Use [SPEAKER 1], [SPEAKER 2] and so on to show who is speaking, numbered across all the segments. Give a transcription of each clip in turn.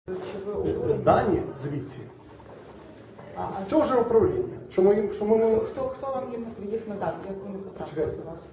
[SPEAKER 1] Чи ви обурені?
[SPEAKER 2] Дані звідси. З цього ж управління.
[SPEAKER 1] Хто вам їх надав? Як вони потрапили до вас?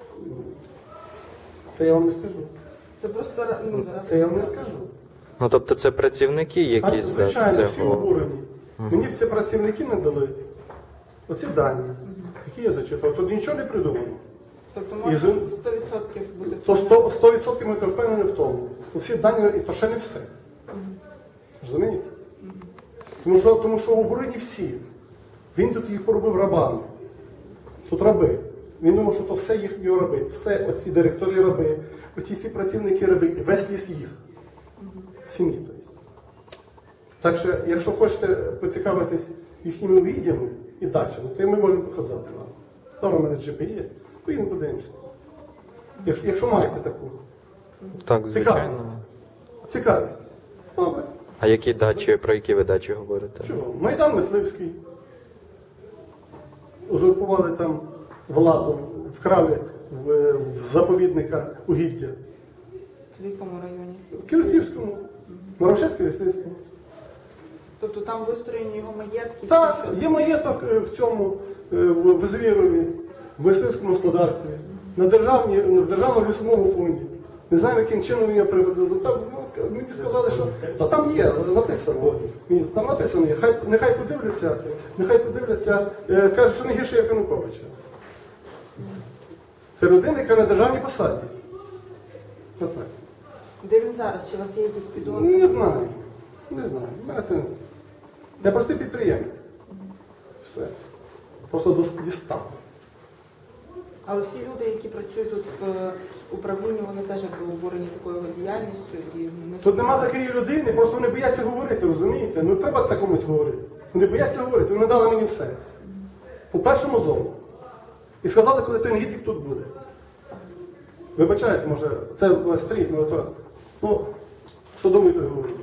[SPEAKER 2] Це я вам не скажу.
[SPEAKER 1] Це просто зараз.
[SPEAKER 2] Це я вам не скажу.
[SPEAKER 3] Ну, тобто це працівники якісь?
[SPEAKER 2] Звичайно, всі обурені. Мені ці працівники не дали оці дані, які я зачитав. Тут нічого не придумано.
[SPEAKER 1] Тобто може 100% бути...
[SPEAKER 2] То 100% ми впевнені в тому. Всі дані, і то ще не все. Розумієте? Тому що обурені всі. Він тут їх поробив рабами. Тут раби. Він думав, що то все його раби. Все, оці директори раби, оці всі працівники раби, весь ліс їх. Сім'ї, тобто. Так що, якщо хочете поцікавитись їхніми відділами і дачами, то ми можемо показати вам. Там у мене GPS є, поїдемо подивимося. Якщо маєте таку.
[SPEAKER 3] Так, звичайно.
[SPEAKER 2] Цікавість. Добре.
[SPEAKER 3] А які дачі, про які ви дачі говорите?
[SPEAKER 2] Чого? Майдан Мисливський. Узурпували там владу, вкрали в заповідника угіддя.
[SPEAKER 1] Це в якому районі?
[SPEAKER 2] В Ківерцівському, Морошевське лісництво.
[SPEAKER 1] Тобто там вистроєні його маєтки?
[SPEAKER 2] Так, є маєток в цьому, в Звірові, в мисливському господарстві, в Державному лісовому фонді. Не знаю, яким чином він його приватизував. Мені сказали, що там є, написано. Там написано, нехай подивляться, кажуть, що не гірше, як Януковича. Це людина, яка на державній посаді. Отак.
[SPEAKER 1] Де він зараз? Чи у вас є якісь підозри?
[SPEAKER 2] Не знаю. Не знаю. Я простий підприємець. Все. Просто дістав.
[SPEAKER 1] Але всі люди, які працюють тут в управлінні, вони теж були обурені такою діяльністю.
[SPEAKER 2] Тут нема такої людини, просто вони бояться говорити, розумієте? Ну треба це комусь говорити. Вони бояться говорити, вони дали мені все. По першому зову. І сказали, коли той негідник тут буде. Вибачайте, може, це стріть, ну що думаєте говорити?